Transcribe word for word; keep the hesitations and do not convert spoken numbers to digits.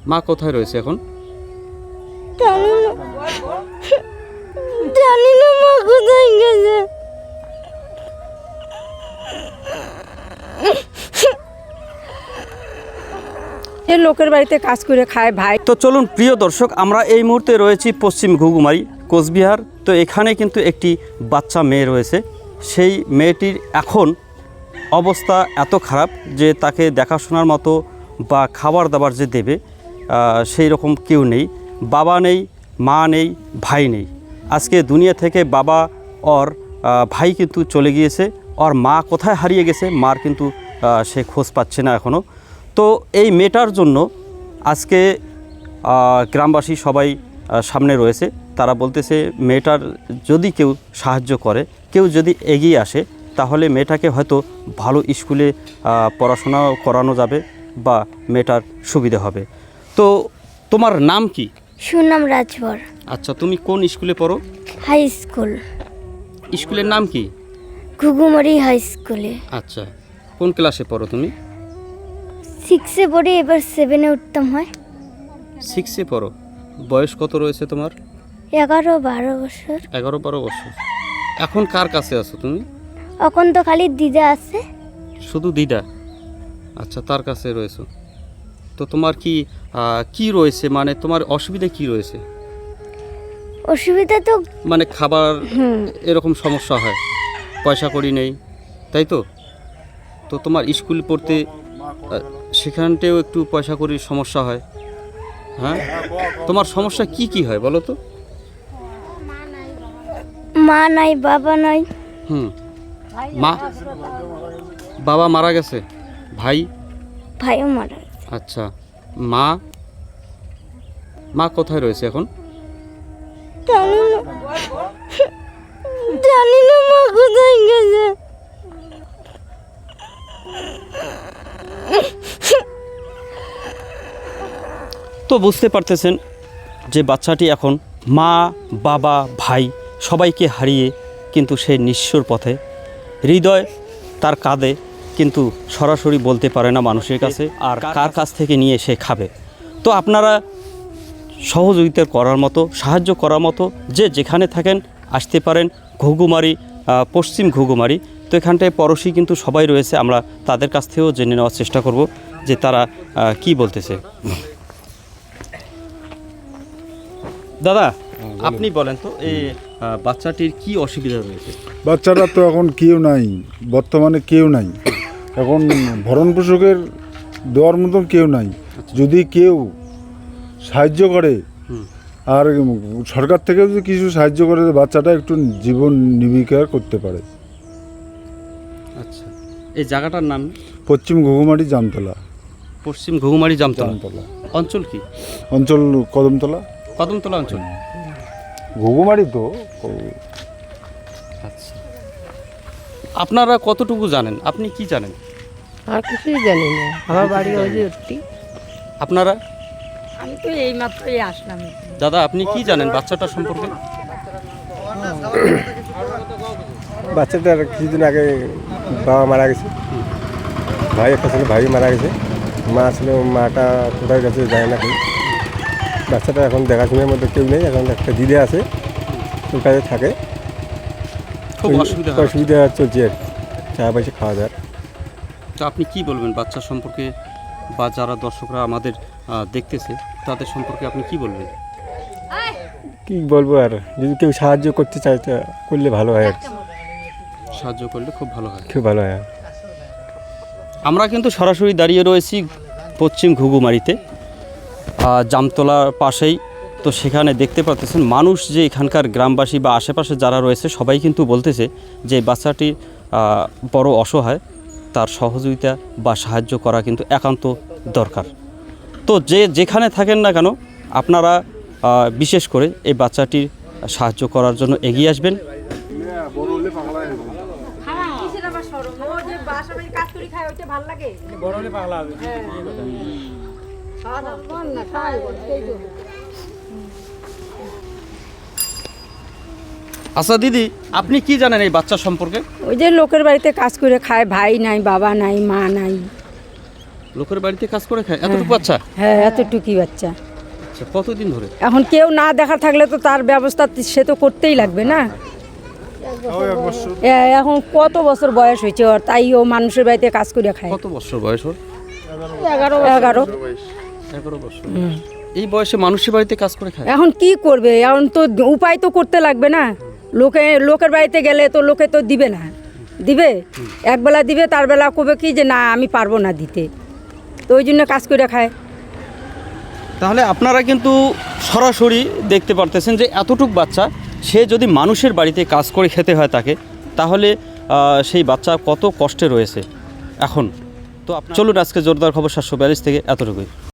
মা কোথায় রয়েছে এখন? জানি না জানি না মা কোথায় গেছে। এ লোকের বাড়িতে কাজ করে খায় ভাই। তো চলুন প্রিয় দর্শক, আমরা এই মুহূর্তে রয়েছি পশ্চিম ঘুঘুমারি কোচবিহার। তো এখানে কিন্তু একটি বাচ্চা মেয়ে রয়েছে। সেই মেয়েটির এখন অবস্থা এত খারাপ যে তাকে দেখাশোনার মতো বা খাবার দাবার যে দেবে সেই রকম কেউ নেই। বাবা নেই, মা নেই, ভাই নেই। আজকে দুনিয়া থেকে বাবা ওর ভাই কিন্তু চলে গিয়েছে। ওর মা কোথায় হারিয়ে গেছে, মার কিন্তু সে খোঁজ পাচ্ছে না এখনও। তো এই মেয়েটার জন্য আজকে গ্রামবাসী সবাই সামনে রয়েছে। তারা বলতেছে মেয়েটার যদি কেউ সাহায্য করে, কেউ যদি এগিয়ে আসে, তাহলে মেয়েটাকে হয়তো ভালো স্কুলে পড়াশোনা করানো যাবে বা মেয়েটার সুবিধা হবে। তো তোমার নাম কি? সুনাম রাজভর। আচ্ছা, তুমি কোন স্কুলে পড়ো? High school. স্কুলের নাম কি? ঘুঘুমারি হাই স্কুলে। আচ্ছা, কোন ক্লাসে পড়ো তুমি? সিক্সে পড়ি, এবার সেভেনে উঠতাম হয়। সিক্সে পড়ো। বয়স কত রয়েছে তোমার? এগারো বারো বছর। এগারো বারো বছর। এখন কার কাছে আছো তুমি? এখন তো খালি দিদা আছে। শুধু দিদা? আচ্ছা, তার কাছে রয়েছো। তো তোমার কি কি রয়েছে, মানে তোমার অসুবিধা কি রয়েছে? অসুবিধা তো মানে খাবার এরকম সমস্যা হয়, পয়সা কড়ি নেই, তাই তো? তো তোমার স্কুল পড়তে সেখানটাও একটু পয়সা কড়ির সমস্যা হয়। হ্যাঁ, তোমার সমস্যা কি কি হয় বলো তো? মা নাই, বাবা নাই। হুম, মা বাবা মারা গেছে, ভাই ভাইও মারা গেছে। আচ্ছা, মা মা কোথায় রয়েছে এখন? জানি না জানি না মা কোথায় গেছে। তো বুঝতে পারতেছেন যে বাচ্চাটি এখন মা, বাবা, ভাই সবাইকে হারিয়ে কিন্তু সে নিঃস্বর পথে। হৃদয় তার কাঁদে, কিন্তু সরাসরি বলতে পারে না মানুষের কাছে, আর কার কাছ থেকে নিয়ে সে খাবে। তো আপনারা সহযোগিতা করার মতো, সাহায্য করার মতো যে যেখানে থাকেন আসতে পারেন। ঘুঘুমারি, পশ্চিম ঘুঘুমারি। তো এখানটায় পড়োশি কিন্তু সবাই রয়েছে। আমরা তাদের কাছ থেকেও জেনে নেওয়ার চেষ্টা করব যে তারা কি বলতেছে। দাদা, আপনি বলেন তো এই বাচ্চাটির কি অসুবিধা রয়েছে? বাচ্চাটা তো এখন কেউ নাই, বর্তমানে কেউ নাই। এখন ভরণ পোষকের দেওয়ার মতন কেউ নাই। যদি কেউ সাহায্য করে, আর সরকার থেকে যদি কিছু সাহায্য করে, বাচ্চাটা একটু জীবন নির্বিকার করতে পারে। আচ্ছা, এই জায়গাটার নাম? পশ্চিম ঘুঘুমারি জামতলা। পশ্চিম ঘুঘুমারি জামতলা। অঞ্চল কি? অঞ্চল কদমতলা। কদমতলা অঞ্চল। ঘুঘুমারি তো। আচ্ছা, আপনারা কতটুকু জানেন? আপনি কি জানেন? আর কিছুই জানি না, আমার বাড়ি ওই যে। আপনারা? আমি তো এই মাত্রই আসলাম। দাদা, আপনি কি জানেন বাচ্চাটা সম্পর্কে? বাচ্চাটার কিছুদিন আগে বাবা মারা গেছে, ভাই একটা ছিল, ভাই মারা গেছে, মা ছিল, মাটা কোথায় গেছে যায় না কেউ। বাচ্চাটা এখন দেখাশোনার মধ্যে কেউ নেই। এখন একটা দিদি আছে, ওর কাছে থাকে। খুব অসুবিধা অসুবিধা চলছে আর চা পয়সা খাওয়া দাওয়ার। তো আপনি কি বলবেন বাচ্চা সম্পর্কে, বা যারা দর্শকরা আমাদের দেখতেছে তাদের সম্পর্কে আপনি কি বলবেন? কি বলবো আর, যদি কেউ সাহায্য করতে চায় তা করলে ভালো হয় আর কি। সাহায্য করলে খুব ভালো হয়, খুব ভালো হয়। আমরা কিন্তু সরাসরি দাঁড়িয়ে রয়েছি পশ্চিম ঘুঘুমারিতে, জামতলার পাশেই। তো সেখানে দেখতে পাচ্ছেন মানুষ যে এখানকার গ্রামবাসী বা আশেপাশে যারা রয়েছে সবাই কিন্তু বলতেছে যে বাচ্চাটি বড় অসহায়, তার সহযোগিতা বা সাহায্য করা কিন্তু একান্ত দরকার। তো যে যেখানে থাকেন না কেন, আপনারা বিশেষ করে এই বাচ্চাটির সাহায্য করার জন্য এগিয়ে আসবেন। আচ্ছা দিদি, আপনি কি জানেন এই বাচ্চা সম্পর্কে? ওই যে লোকের বাড়িতে কাজ করে খায়, ভাই নাই, বাবা নাই, মা নাই। লোকের বাড়িতে কাজ করে খায় এতটুকু বাচ্চা? হ্যাঁ এতটুকুই বাচ্চা। আচ্ছা, কতদিন ধরে? এখন কেউ না দেখা থাকলে তো তার ব্যবস্থা সে তো করতেই লাগবে না। এ- এখন কত বছর বয়স হয়েছে ওর, তাই ও মানুষের বাড়িতে কাজ করে খায়। কত বছর বয়স ওর? এগারো এগারো এগারো বছর। এই বয়সে মানুষের বাড়িতে কাজ করে খায়? এখন কি করবে, এখন তো উপায় তো করতে লাগবে না। লোকে লোকের বাড়িতে গেলে তো লোকে তো দিবে না, দিবে একবেলা দিবে, তার বেলা কবে কি যে না আমি পারবো না দিতে, তো ওই জন্য কাজ করে খায়। তাহলে আপনারা কিন্তু সরাসরি দেখতে পারতেছেন যে এতটুক বাচ্চা, সে যদি মানুষের বাড়িতে কাজ করে খেতে হয় তাকে, তাহলে আহ, সেই বাচ্চা কত কষ্টে রয়েছে এখন। তো আপনার চলুন আজকে জোরদার খবর সাতশো বিয়াল্লিশ থেকে এতটুকুই।